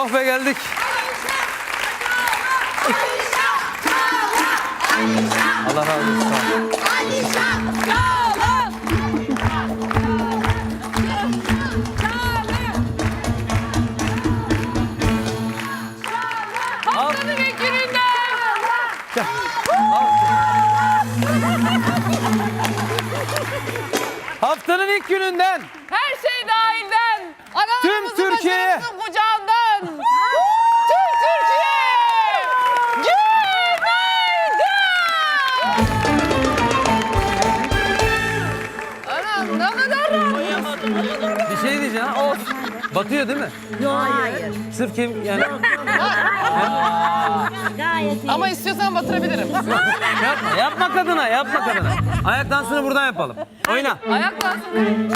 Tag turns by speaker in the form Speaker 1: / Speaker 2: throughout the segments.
Speaker 1: Oh be geldik. Allah razı olsun.
Speaker 2: Haftanın ilk gününden.
Speaker 1: Haftanın ilk gününden
Speaker 2: Her şey dahilden. Analarımızın
Speaker 1: Tüm Türkiye'ye.
Speaker 2: başarısının kucağından. Tüm Türkiye. Günaydın. Anam ne kadar rahat.
Speaker 1: bir şey diyeceğim. Batıyor değil mi?
Speaker 3: Hayır.
Speaker 1: Sırf kim yani
Speaker 3: Gayet iyi.
Speaker 2: Ama istiyorsan batırabilirim.
Speaker 1: yapma kadına, yapma kadına. Ayak dansını buradan yapalım. Oyna.
Speaker 2: Ayaklansın.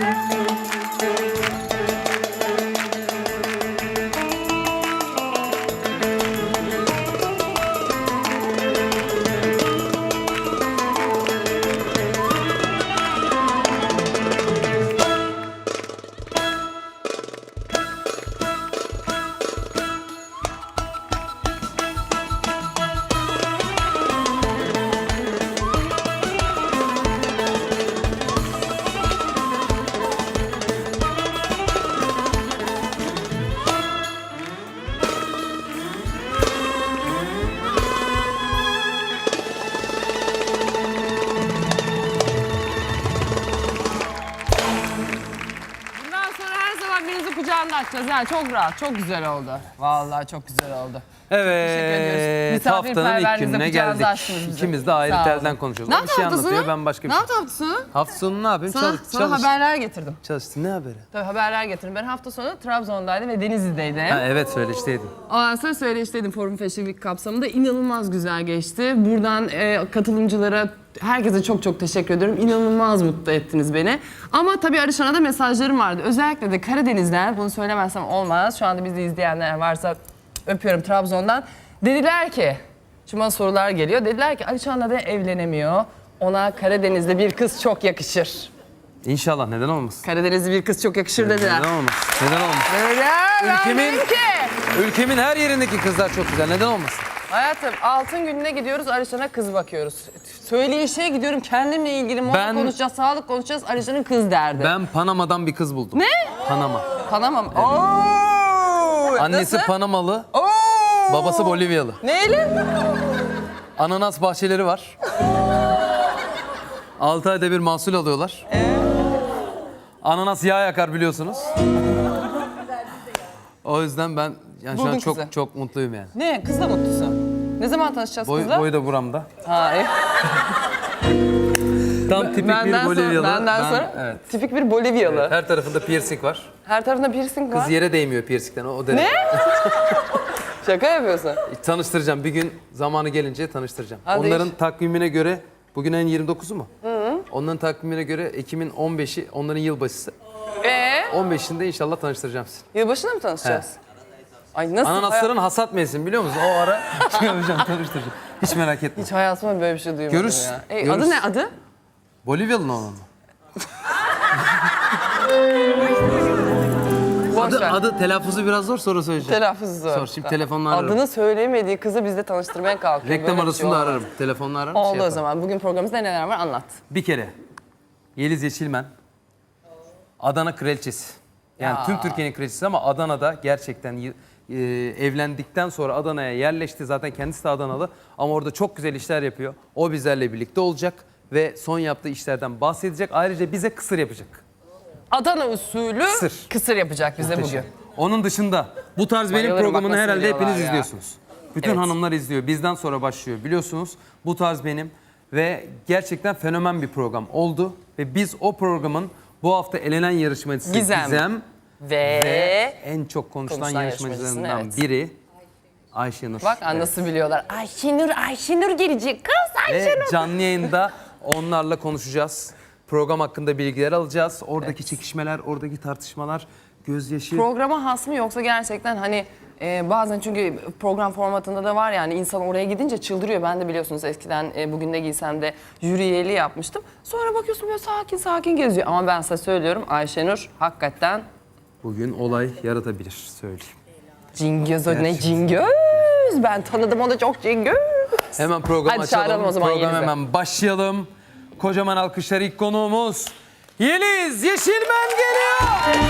Speaker 2: Bundan sonra her zaman birinizi kucağında açacağız. Yani çok rahat, çok güzel oldu. Vallahi çok güzel oldu. Teşekkür ediyoruz.
Speaker 1: Evet, haftanın ilk
Speaker 2: Misafirperverliğinize
Speaker 1: gününe
Speaker 2: kucağınızı
Speaker 1: geldik.
Speaker 2: açtınız bize.
Speaker 1: İkimiz de ayrı
Speaker 2: Sağ olun.
Speaker 1: telden konuşuyoruz.
Speaker 2: Ne
Speaker 1: O bir
Speaker 2: yaptın
Speaker 1: şey
Speaker 2: hafta
Speaker 1: anlatıyor,
Speaker 2: sonu?
Speaker 1: ben başka bir
Speaker 2: Ne
Speaker 1: şey.
Speaker 2: yaptın hafta sonu?
Speaker 1: Hafta sonu ne yapayım?
Speaker 2: Sana
Speaker 1: Çalıştım.
Speaker 2: haberler getirdim.
Speaker 1: Çalıştım. Ne haberi?
Speaker 2: Tabii haberler getirdim. Ben hafta sonu Trabzon'daydım ve Denizli'deydim.
Speaker 1: Ha, evet söyleşteydin.
Speaker 2: Ondan sonra söyleşteydim Forum Fashion Week kapsamında. İnanılmaz güzel geçti. Buradan katılımcılara, herkese çok çok teşekkür ediyorum. İnanılmaz mutlu ettiniz beni. Ama tabii Arışan'a da mesajlarım vardı. Özellikle de Karadeniz'den, bunu söylemezsem olmaz. Şu anda bizi izleyenler varsa öpüyorum Trabzon'dan. Dediler ki, şimdi bana sorular geliyor. Dediler ki Alişan'la da evlenemiyor. Ona Karadeniz'de bir kız çok yakışır.
Speaker 1: İnşallah, neden olmasın?
Speaker 2: Karadeniz'de bir kız çok yakışır dediler.
Speaker 1: Neden olmasın? Neden olmasın?
Speaker 2: Öyle ben
Speaker 1: Ülkemin-
Speaker 2: dedim ki.
Speaker 1: Ülkemin her yerindeki kızlar çok güzel. Neden olmasın?
Speaker 2: Hayatım altın gününe gidiyoruz, Alişan'a kız bakıyoruz. Söyleyişe gidiyorum, kendimle ilgili moda
Speaker 1: Ben-
Speaker 2: konuşacağız, sağlık konuşacağız, Alişan'ın kız derdi.
Speaker 1: Ben Panama'dan bir kız buldum.
Speaker 2: Ne?
Speaker 1: Panama.
Speaker 2: Panama mı? Oo!
Speaker 1: Annesi
Speaker 2: Nasıl?
Speaker 1: Panamalı,
Speaker 2: Oo!
Speaker 1: babası Bolivyalı.
Speaker 2: Neyle?
Speaker 1: Ananas bahçeleri var. 6 ayda bir mahsul alıyorlar. Ananas yağ yakar biliyorsunuz. O yüzden ben yani şu
Speaker 2: Buldun
Speaker 1: an çok
Speaker 2: kızı.
Speaker 1: çok mutluyum yani.
Speaker 2: Ne? Kızla mutlusun. Ne zaman tanışacağız kızla?
Speaker 1: Boyu da buramda.
Speaker 2: Hayır.
Speaker 1: Tam tipik bir Bolivyalı.
Speaker 2: Benden
Speaker 1: Ben-
Speaker 2: sonra
Speaker 1: evet.
Speaker 2: tipik bir Bolivyalı.
Speaker 1: Her tarafında piercing var.
Speaker 2: Her tarafında piercing var.
Speaker 1: Kız yere değmiyor piercingden. O derece.
Speaker 2: Ne? Şaka yapıyorsun.
Speaker 1: Tanıştıracağım. Bir gün zamanı gelince tanıştıracağım.
Speaker 2: Hadi
Speaker 1: Onların
Speaker 2: iş.
Speaker 1: takvimine göre bugün ayın 29'u mu? Onların takvimine göre Ekim'in 15'i onların yılbaşısı. 15'inde inşallah tanıştıracağım sizi.
Speaker 2: Yılbaşında mı tanışacağız? Ay nasıl?
Speaker 1: Ananasların hasat mevsimi biliyor musun? O ara şey yapacağım, tanıştıracağım. Hiç merak etme.
Speaker 2: Hiç hayatımda böyle bir şey duymadım
Speaker 1: Görürüz,
Speaker 2: ya.
Speaker 1: görürüz.
Speaker 2: Adı ne adı?
Speaker 1: Bolivyalı olan mı?
Speaker 2: Boş ver.
Speaker 1: Adı telaffuzu biraz zor, sonra söyleyeceğim.
Speaker 2: Telaffuzu zor.
Speaker 1: Sor, şimdi telefonla ararım.
Speaker 2: Adını söyleyemediği kızı bizde tanıştırmaya kalkıyor.
Speaker 1: Reklam
Speaker 2: Böyle bir
Speaker 1: arasında
Speaker 2: şey olmaz.
Speaker 1: ararım. Telefonla ararım.
Speaker 2: Oldu
Speaker 1: şey
Speaker 2: o
Speaker 1: yaparım.
Speaker 2: zaman. Bugün programımızda neler var anlat.
Speaker 1: Bir kere Yeliz Yeşilmen Adana kraliçesi. Yani tüm Türkiye'nin kraliçesi ama Adana'da gerçekten evlendikten sonra Adana'ya yerleşti. Zaten kendisi de Adanalı ama orada çok güzel işler yapıyor. O bizlerle birlikte olacak ve son yaptığı işlerden bahsedecek. Ayrıca bize kısır yapacak.
Speaker 2: Adana usulü kısır yapacak bize bugün.
Speaker 1: Onun dışında bu tarz benim
Speaker 2: Bayılırım,
Speaker 1: programını
Speaker 2: bak nasıl
Speaker 1: herhalde
Speaker 2: biliyorlar
Speaker 1: hepiniz
Speaker 2: ya.
Speaker 1: izliyorsunuz. Bütün
Speaker 2: Evet.
Speaker 1: hanımlar izliyor. Bizden sonra başlıyor biliyorsunuz. Bu tarz benim ve gerçekten fenomen bir program oldu. Ve biz o programın bu hafta elenen yarışmacısı
Speaker 2: Gizem. Ve
Speaker 1: en çok konuşulan
Speaker 2: konuşulan
Speaker 1: yarışmacılarından
Speaker 2: yarışmacısın,
Speaker 1: biri Ayşenur.
Speaker 2: bak nasıl biliyorlar. Ayşenur gelecek kız Ayşenur.
Speaker 1: Ve canlı yayında onlarla konuşacağız. Program hakkında bilgiler alacağız. Oradaki çekişmeler, oradaki tartışmalar, gözyaşı.
Speaker 2: Programa has mı yoksa gerçekten hani bazen çünkü program formatında da var yani insan oraya gidince çıldırıyor. Ben de biliyorsunuz eskiden Bugün Ne Giysem'de jüri üyeliği yapmıştım. Sonra bakıyorsun böyle sakin sakin geziyor. Ama ben size söylüyorum Ayşenur hakikaten
Speaker 1: Bugün olay yaratabilir söyleyeyim.
Speaker 2: Cingöz o ne Cingöz? Ben tanıdım onu çok Cingöz.
Speaker 1: Hemen program
Speaker 2: Hadi çağıralım
Speaker 1: açalım.
Speaker 2: o zaman
Speaker 1: Program
Speaker 2: Yeliz'i.
Speaker 1: hemen başlayalım. Kocaman alkışlar ilk konuğumuz Yeliz Yeşilmen geliyor.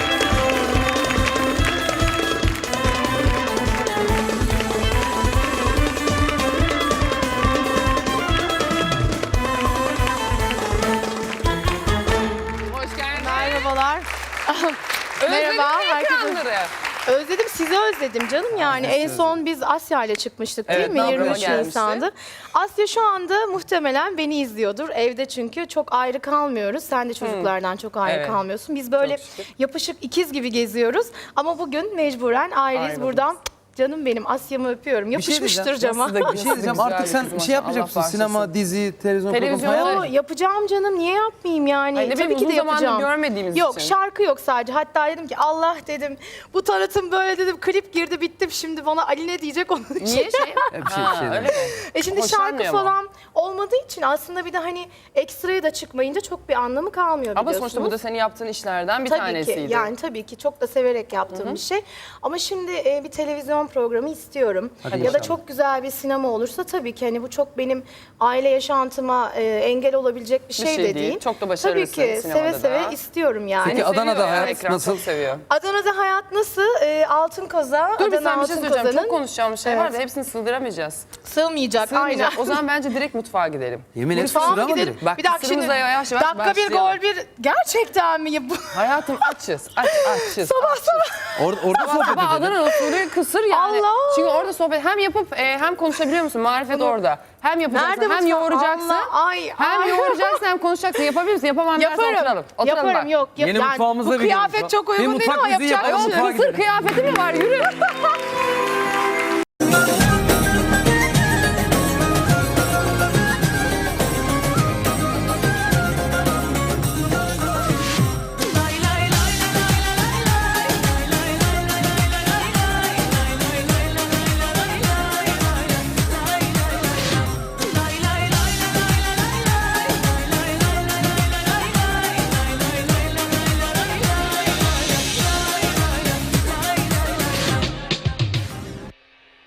Speaker 2: Hoş geldin.
Speaker 4: Merhabalar.
Speaker 2: Merhaba
Speaker 4: Merhaba, herkese.
Speaker 2: herkese.
Speaker 4: Özledim, sizi özledim canım yani. En son biz Asya ile çıkmıştık değil
Speaker 2: Evet,
Speaker 4: mi?
Speaker 2: Navruz'a
Speaker 4: 23
Speaker 2: gelmişti.
Speaker 4: Nisan'dı. Asya şu anda muhtemelen beni izliyordur. Evde çünkü çok ayrı kalmıyoruz. Sen de çocuklardan çok ayrı
Speaker 2: Evet.
Speaker 4: kalmıyorsun. Biz böyle
Speaker 2: Çok şükür.
Speaker 4: yapışık ikiz gibi geziyoruz. Ama bugün mecburen ayrıyız.
Speaker 2: Ayrıldık.
Speaker 4: Buradan canım benim Asya'mı öpüyorum. Yapışmıştır
Speaker 1: diyeceğim.
Speaker 4: cama.
Speaker 2: Nasıl da
Speaker 1: Bir şey diyeceğim,
Speaker 2: güzel
Speaker 1: artık
Speaker 2: bir
Speaker 1: sen
Speaker 2: kız
Speaker 1: şey yapacak
Speaker 2: maşallah,
Speaker 1: mısın?
Speaker 2: Allah
Speaker 1: Sinema,
Speaker 2: bağışlasın.
Speaker 1: dizi, televizyon
Speaker 2: Televizyon
Speaker 1: programı
Speaker 4: Yo,
Speaker 1: hayal mi?
Speaker 4: yapacağım canım. Niye yapmayayım yani?
Speaker 2: Ay ne bileyim,
Speaker 4: Tabii ki
Speaker 2: uzun
Speaker 4: de
Speaker 2: zamandır
Speaker 4: yapacağım.
Speaker 2: görmediğimiz
Speaker 4: Yok,
Speaker 2: için.
Speaker 4: şarkı yok sadece. Hatta dedim ki Allah dedim bu tanıtım böyle dedim. Klip girdi bittim. Şimdi bana Ali ne diyecek onun için.
Speaker 2: Niye şey?
Speaker 1: Bir şey, bir şey
Speaker 2: öyle
Speaker 1: değil.
Speaker 2: mi?
Speaker 4: Şimdi
Speaker 2: Hoşlanmıyor
Speaker 4: şarkı
Speaker 2: mu?
Speaker 4: falan olmadığı için aslında bir de hani ekstraya da çıkmayınca çok bir anlamı kalmıyor
Speaker 2: Ama
Speaker 4: biliyorsunuz.
Speaker 2: sonuçta bu da senin yaptığın işlerden bir
Speaker 4: Tabii
Speaker 2: tanesiydi.
Speaker 4: ki yani tabii ki çok da severek yaptığım bir şey. Ama şimdi bir televizyon programı istiyorum.
Speaker 1: Hadi
Speaker 4: ya da
Speaker 1: inşallah.
Speaker 4: çok güzel bir sinema olursa tabii ki hani bu çok benim aile yaşantıma engel olabilecek bir şey,
Speaker 2: şey
Speaker 4: de
Speaker 2: değil.
Speaker 4: değil.
Speaker 2: Çok da
Speaker 4: Tabii
Speaker 2: başarılısın
Speaker 4: ki
Speaker 2: sinemada
Speaker 4: seve
Speaker 2: da.
Speaker 4: seve istiyorum yani.
Speaker 1: Peki Adana'da
Speaker 2: Seviyor ya,
Speaker 1: hayat
Speaker 2: ekran
Speaker 1: nasıl?
Speaker 2: Çok seviyor.
Speaker 4: Adana'da hayat nasıl? Altın Koza,
Speaker 2: Dur bir
Speaker 4: Adana
Speaker 2: sen bir şey
Speaker 4: Altın
Speaker 2: söyleyeceğim.
Speaker 4: Koza'nın
Speaker 2: Çok konuşacağım bir şey var da
Speaker 4: Evet.
Speaker 2: hepsini sığdıramayacağız.
Speaker 4: sığmayacak.
Speaker 2: Sığmayacak.
Speaker 4: Aynen.
Speaker 2: O zaman bence direkt mutfağa gidelim.
Speaker 1: Yemin et
Speaker 4: Mutfağa
Speaker 1: kusura
Speaker 4: mı
Speaker 1: mı
Speaker 4: gidelim?
Speaker 1: direkt?
Speaker 2: Bak,
Speaker 4: Bir dakika şimdi.
Speaker 2: kısırımıza yavaş yavaş
Speaker 4: Dakika bir
Speaker 2: başlayalım.
Speaker 4: gol bir. Gerçekten mi? Bu
Speaker 2: Hayatım açız. Açız.
Speaker 4: sabah sabah.
Speaker 1: Orada sohbet
Speaker 2: Sabah
Speaker 1: edelim.
Speaker 2: Adana usulü kısır yani.
Speaker 4: Allah!
Speaker 2: Çünkü orada sohbet hem yapıp hem konuşabiliyor musun? Marifet orada. Hem yapacaksın
Speaker 4: Nerede
Speaker 2: hem
Speaker 4: mutfak?
Speaker 2: yoğuracaksın.
Speaker 4: Allah, ay,
Speaker 2: Hem
Speaker 4: ay.
Speaker 2: yoğuracaksın hem konuşacaksın. Yapabilir misin? Yapamam dersen
Speaker 4: Yaparım.
Speaker 2: oturalım. Oturalım
Speaker 4: Yaparım
Speaker 2: bak.
Speaker 4: yok.
Speaker 1: Yeni mutfağımızda
Speaker 4: bu
Speaker 1: bir
Speaker 4: kıyafet
Speaker 1: mutfak.
Speaker 4: çok
Speaker 1: Bir
Speaker 4: uygun değil
Speaker 1: mutfak
Speaker 4: ama
Speaker 1: bizi
Speaker 4: yapacak
Speaker 1: yapalım,
Speaker 4: bir şey yok.
Speaker 1: mutfağa
Speaker 2: Kısır
Speaker 1: gidelim.
Speaker 2: kıyafeti mi var? Yürü.